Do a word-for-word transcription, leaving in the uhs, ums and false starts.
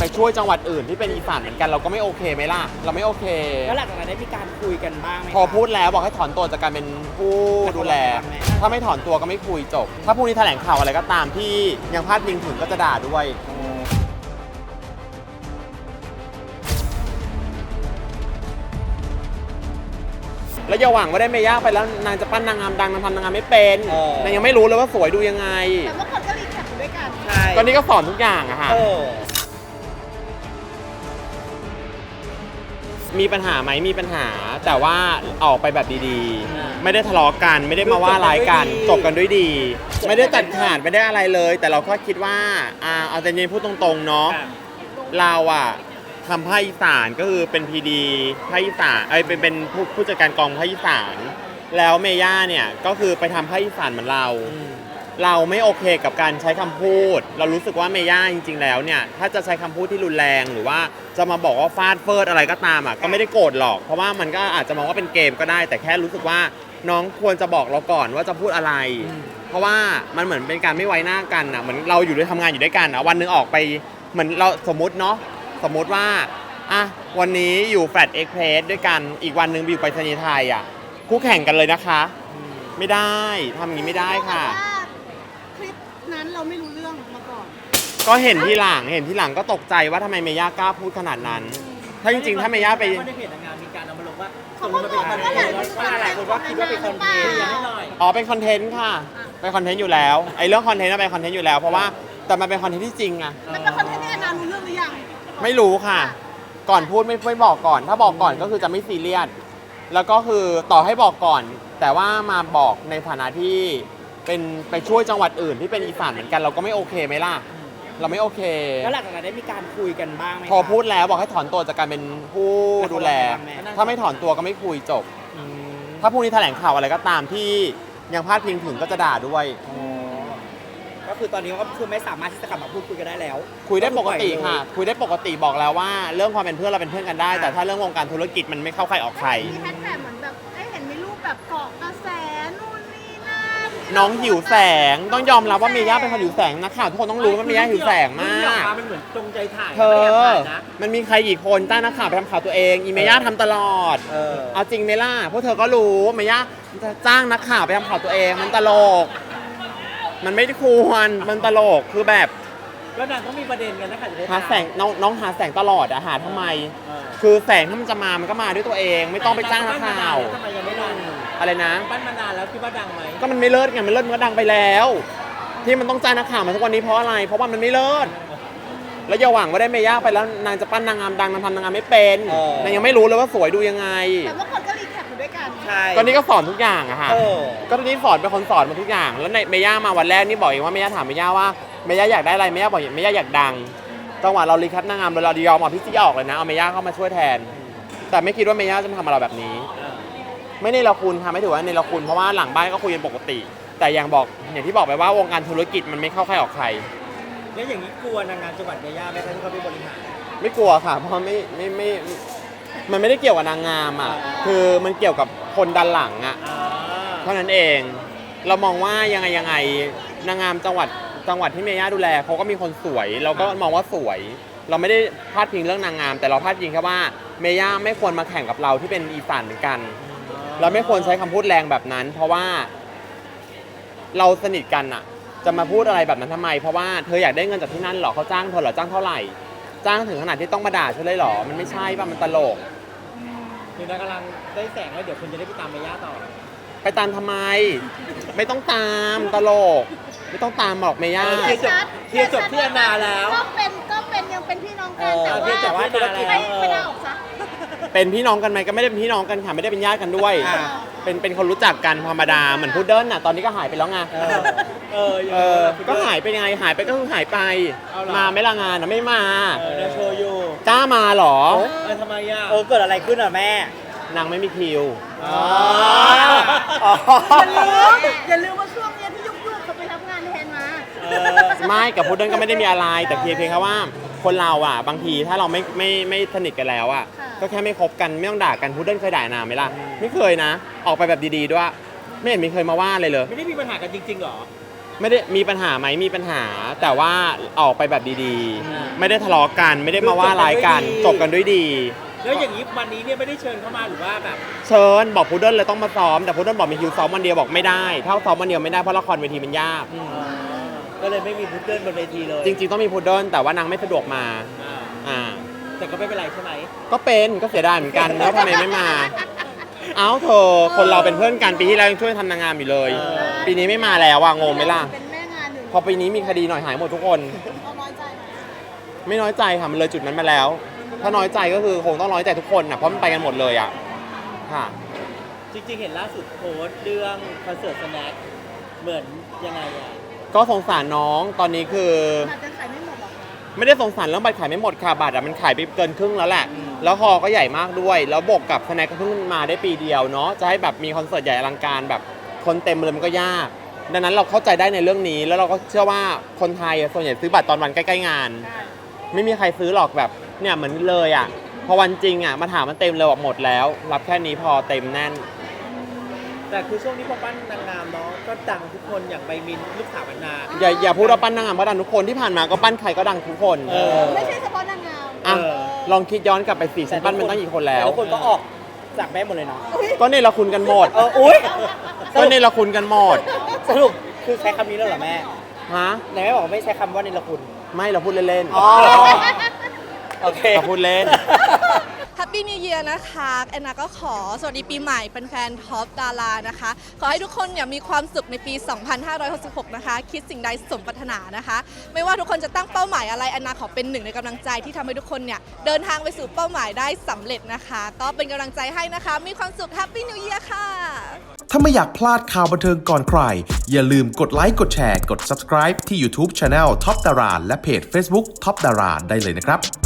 ช่วยจังหวัดอื่นที่เป็นอีสานเหมือนกันเราก็ไม่โอเคไหมล่ะเราไม่โอเคแล้วหลังจากนั้นได้มีการคุยกันบ้างไหมพอพูดแล้วบอกให้ถอนตัวจากการเป็นผู้ดูแลถ้าไม่ถอนตัวก็ไม่คุยจบถ้าพรุ่งนี้แถลงข่าวอะไรก็ตามที่ยังพลาดพิงถึงก็จะด่าด้วยแล้วอย่าหวังว่าได้เมย่าไปแล้วนางจะปั้นนางงามดังนางทำนางงามไม่เป็นนางยังไม่รู้เลยว่าสวยดูยังไงแต่เมื่อก่อนก็รีแคปด้วยกันใช่ก็นี่ก็สอนทุกอย่างอะค่ะมีปัญหาไหมมีปัญหาแต่ว่าออกไปแบบดีๆไม่ได้ทะเลาะกันไม่ได้มาว่าร้ายกันจบกันด้วยดีไม่ได้ตัดขาดไม่ได้อะไรเลย แต่เราก็คิดว่าอ่าเอาแต่เย็นพูดตรงๆเนาะเราอะทำภาคอีสานก็คือเป็นพีดีภาคอีสานเอ้ยเป็นเป็นผู้ผู้จัดการกองภาคอีสานแล้วเมย่าเนี่ยก็คือไปทำภาคอีสานเหมือนเราเราไม่โอเคกับการใช้คำพูดเรารู้สึกว่าเมย่าจริงๆแล้วเนี่ยถ้าจะใช้คำพูดที่รุนแรงหรือว่าจะมาบอกว่าฟาดเฟิร์ดอะไรก็ตามอ่ะก็ไม่ได้โกรธหรอกเพราะว่ามันก็อาจจะมองว่าเป็นเกมก็ได้แต่แค่รู้สึกว่าน้องควรจะบอกเราก่อนว่าจะพูดอะไรเพราะว่ามันเหมือนเป็นการไม่ไว้หน้ากันอ่ะเหมือนเราอยู่ด้วยทำงานอยู่ด้วยกันอ่ะวันนึงออกไปเหมือนเราสมมุติเนาะสมมุติว่าอ่ะวันนี้อยู่แฟลตเอ็กเพรสด้วยกันอีกวันนึงไปอยู่ไปรษณีย์ไทยอ่ะคู่แข่งกันเลยนะคะไม่ได้ทำอย่างนี้ไม่ได้ค่ะคลิปนั้นเราไม่รู้เรื่องมาก่อนก็เห็นที่หลังเห็นที่หลังก็ตกใจว่าทำไมเมย่ากล้าพูดขนาดนั้นถ้าจริงๆถ้าเมย่าไปในเพจนางงามมีการเอามาลงว่าเขาก็บอกว่าหลายคนว่าหลายคนว่าคิดว่าเป็นคอนเทนต์อ๋อเป็นคอนเทนต์ค่ะเป็นคอนเทนต์อยู่แล้วไอ้เรื่องคอนเทนต์เป็นคอนเทนต์อยู่แล้วเพราะว่าแต่มันเป็นคอนเทนต์ที่จริงอะมันเป็นคอนเทนต์ที่แอนนารู้เรื่องหรือยังไม่รู้ค่ะก่อนพูดไม่ไม่บอกก่อนถ้าบอกก่อนก็คือจะไม่ซีเรียสแล้วก็คือต่อให้บอกก่อนแต่ว่ามาบอกในฐานะที่เป็นไปช่วยจังหวัดอื่นที่เป็นอีสานเหมือนกันเราก็ไม่โอเคไหมล่ะเราไม่โอเคแล้วหลังจากนั้นได้มีการคุยกันบ้างไหมพอพูดแล้วบอกให้ถอนตัวจากการเป็นผู้ดูแลถ้าไม่ถอนตัวก็ไม่คุยจบถ้าพรุ่งนี้แถลงข่าวอะไรก็ตามที่ยังพลาดพิงถึงก็จะด่าด้วยก็คือตอนนี้ก็คือไม่สามารถที่จะกลับมาพูดคุยกันได้แล้วคุยได้ปกติค่ะคุยได้ปกติบอกแล้วว่าเรื่องความเป็นเพื่อนเราเป็นเพื่อนกันได้แต่ถ้าเรื่องวงการธุรกิจมันไม่เข้าใครออกใครมีแฮชแท็กเหมือนแบบได้เห็นมีรูปแบบเกาะกระแสนู่นนี่นั่นน้องหิวแสงต้องยอมรับว่าเมย่าเป็นคนหิวแสงนะข่าวทุกคนต้องรู้ว่าเมย่าหิวแสงมากมันเหมือนจงใจถ่ายเธอมันมีใครกี่คนจ้างนักข่าวไปทำข่าวตัวเองอีเมย่าทำตลอดเอาจริงเมล่าพวกเธอก็รู้เมย่าจ้างนักข่าวไปทำข่าวตัวเองมันตลกมันไม่ควรมันตลกคือแบบแล้วนางก็มีประเด็นกันนะคะหาแสงน้องน้องหาแสงตลอดอะหาทำไมคือแสงถ้ามันจะมามันก็มาด้วยตัวเองไม่ต้องไปจ้างนักข่าวทำไมยังไม่ดังอะไรนะปั้นมานานแล้วคิดว่าดังไหมก็มันไม่เลิศไงมันเลิศมันก็ดังไปแล้วที่มันต้องจ้างนักข่าวมาทุกวันนี้เพราะอะไรเพราะว่ามันไม่เลิศแล้วอย่าหวังว่าได้เมย่าไปแล้วนางจะปั้นนางงามดังนางทำนางงามไม่เป็นนางยังไม่รู้เลยว่าสวยดูยังไงแต่เมื่อก่อนก็รีแคปด้วยกันใช่ก็นี่ก็สอนทุกอย่างอะค่ะก็นี่สอนเป็นคนสอนมาทุกอย่างแล้วในเมย่ามาวันแรกนี่บอกเองว่าเมย่าถามเมย่าว่าเมย่าอยากได้อะไรเมย่าบอกเมย่าอยากดังจังหวะเรารีแคปนางงามเรายอมเอาพี่จี้ออกเลยนะเอาเมย่าเข้ามาช่วยแทนแต่ไม่คิดว่าเมย่าจะทำอะไรแบบนี้ไม่ในละคุณค่ะไม่ถือว่าในละคุณเพราะว่าหลังบ้านก็คุยกันปกติแต่อย่างบอกอย่างที่บอกไปว่าวงการธุรกิจมันไม่เข้าใครออกใครแล้วอย่างนี้กลัวนางงามจังหวัดเมย่าไหมคะที่เขาไปบริหารไม่กลัวค่ะเพราะไม่ไม่ไม่มันไม่ได้เกี่ยวกับนางงามอ่ะคือมันเกี่ยวกับคนดันหลังอ่ะเท่านั้นเองเรามองว่ายังไงยังไงนางงามจังหวัดจังหวัดที่เมย่าดูแลเขาก็มีคนสวยเราก็มองว่าสวยเราไม่ได้พาดพิงเรื่องนางงามแต่เราพาดพิงแค่ว่าเมย่าไม่ควรมาแข่งกับเราที่เป็นอีสานเหมือนกันเราไม่ควรใช้คำพูดแรงแบบนั้นเพราะว่าเราสนิทกันอ่ะจะมาพูดอะไรแบบนั้นทำไมเพราะว่าเธออยากได้เงินจากที่นั่นหรอเขาจ้างเธอหรอจ้างเท่าไหร่จ้างถึงขนาดที่ต้องมาด่าเธอเลยหรอมันไม่ใช่ป่ะมันตลกคือนางกำลังได้แสงแล้วเดี๋ยวคุณจะได้ไปตามเมย่าต่อไปตามทำไมไม่ต้องตามตลกไม่ต้องตามหรอกเมย่าเคลียร์จบเคลียร์จบที่อนาแล้วก็เป็นก็เป็นยังเป็นพี่น้องกันแต่ว่าไม่ไม่ได้ออกซะเป็นพี่น้องกันไหมก็ไม่ได้เป็นพี่น้องกันค่ะไม่ได้เป็นญาติกันด้วยเป็นเป็นคนรู้จักกันธรรมดาเหมือนพุดเดิ้ลน่ะตอนนี้ก็หายไปแล้วไงเออเออก็หายไปยังไงหายไปก็คือหายไปมาไม่ละงานนะไม่มาเออโชว์อยู่กล้ามาหรอเออทำไมอ่ะเออเกิดอะไรขึ้นอ่ะแม่นางไม่มีคิวอ๋ออย่าลืมอย่าลืมว่าช่วงนี้ที่ยุกๆเขาไปทำงานแทนมาไม่กับพุดเดิ้ลก็ไม่ได้มีอะไรแต่เพียงเพียงแค่ว่าคนเราอ่ะบางทีถ้าเราไม่ไม่ไม่สนิทกันแล้วอ่ะก็แค่ไม่คบกันไม่ต้องด่ากันพุดเดิ้ลเคยด่านางไหมล่ะไม่เคยนะออกไปแบบดีๆด้วยไม่เห็นมีเคยมาว่าเลยเลยไม่ได้มีปัญหากันจริงๆหรอไม่ได้มีปัญหาไหมมีปัญหา แต่ว่าออกไปแบบดีๆ ไม่ได้ทะเลาะกันไม่ได้มาว่าร้ายกันจบกันด้วยดีแล้วอย่างนี้วันนี้เนี่ยไม่ได้เชิญเข้ามาหรือว่าแบบเชิญบอกพุดเดิ้ลเลยต้องมาซ้อมแต่พุดเดิ้ลบอกมีคิวซ้อมวันเดียวบอกไม่ได้ถ้าซ้อมวันเดียวไม่ได้เพราะละครเวทีมันยากก็เลยไม่มีพุดเดิ้ลบนเวทีเลยจริงๆต้องมีพุดเดิ้ลแต่ว่านางไม่สะดวกมาอ่าอ่าแต่ก็ไม่เป็นไรใช่ไหมก็เป็นก็เสียดายเหมือนกันแล้วทำไมไม่มา เอ้าเธอคนเราเป็นเพื่อนกันปีที่แล้วยังช่วยทำนางงามอยู่เลย ปีนี้ไม่มาแล้วว่างงไหมล่ะเป็นแม่งานหนึ่งพอปีนี้มีคดีหน่อยหายหมดทุกคนเราน้อยใจไหมไม่น้อยใจค่ะมันเลยจุดนั้นมาแล้ว ถ้าน้อยใจก็คือคงต้องน้อยใจทุกคนนะเพราะมันไปกันหมดเลยอ่ะค่ะจริงๆเห็นล่าสุดโพสต์เรื่องคอนเสิร์ตสแน็คเหมือนยังไงอ่ะก็สงสารน้องตอนนี้คืออาจจะขายไม่หมดหรอกนะไม่ได้สงสารเรื่องบัตรขายไม่หมดค่ะบัตรอะมันขายไปเกินครึ่งแล้วแหละ แล้วฮอก็ใหญ่มากด้วย แล้วบวกกับสแน็คก็เพิ่งมาได้ปีเดียวเนาะจะให้แบบมีคอนเสิร์ตใหญ่อลังการแบบคนเต็มเลยมันก็ยาก ดังนั้นเราเข้าใจได้ในเรื่องนี้ แล้วเราก็เชื่อว่าคนไทยอะส่วนใหญ่ซื้อบัตรตอนวันใกล้ๆงาน ไม่มีใครซื้อหรอกแบบเนี่ยเหมือนเลยอ่ะพอวันจริงอ่ะมาถามมันเต็มเลยบอกหมดแล้ว รับแค่นี้พอเต็มแน่นแต่คือช่วงนี้พอปั้นนางงามเนาะก็ดังทุกคนอย่างใบมินลูกสาวบรรณาอย่าอย่าพูดว่าปั้นนางงามเพราะดังทุกคนที่ผ่านมาก็ปั้นใครก็ดังทุกคนเออไม่ใช่เฉพาะนางงามอ่ะเออลองคิดย้อนกลับไปสิฉันปั้นมันตั้งกี่คนแล้วทุกคนก็ออกจากแม่หมดเลยเนาะก็เนี่ยเราคุณกันหมดเอออุ้ยก็เนี่ยเราคุณกันหมดสรุปคือใช้คำนี้แล้วเหรอแม่ฮะไหนแม่บอกว่าไม่ใช้คำว่าเนรคุณไม่เราพูดเล่นอ๋อโอเคๆเราพูดเล่น Happy New Year นะคะแอนนาก็ขอสวัสดีปีใหม่เป็นแฟนท็อปดารานะคะ ขอให้ทุกคนเนี่ยมีความสุขในปี สองพันห้าร้อยหกสิบหก นะคะ คิดสิ่งใดสมปรารถนานะคะ ไม่ว่าทุกคนจะตั้งเป้าหมายอะไรแอนนาขอเป็นหนึ่งในกำลังใจที่ทำให้ทุกคนเนี่ยเดินทางไปสู่เป้าหมายได้สำเร็จนะคะ ก็เป็นกำลังใจให้นะคะ มีความสุข Happy New Year ค่ะถ้าไม่อยากพลาดข่าวบันเทิงก่อนใคร อย่าลืมกดไลค์ กดแชร์ กด Subscribe ที่ YouTube Channel Top Dara และเพจ Facebook Top Dara ได้เลยนะครับ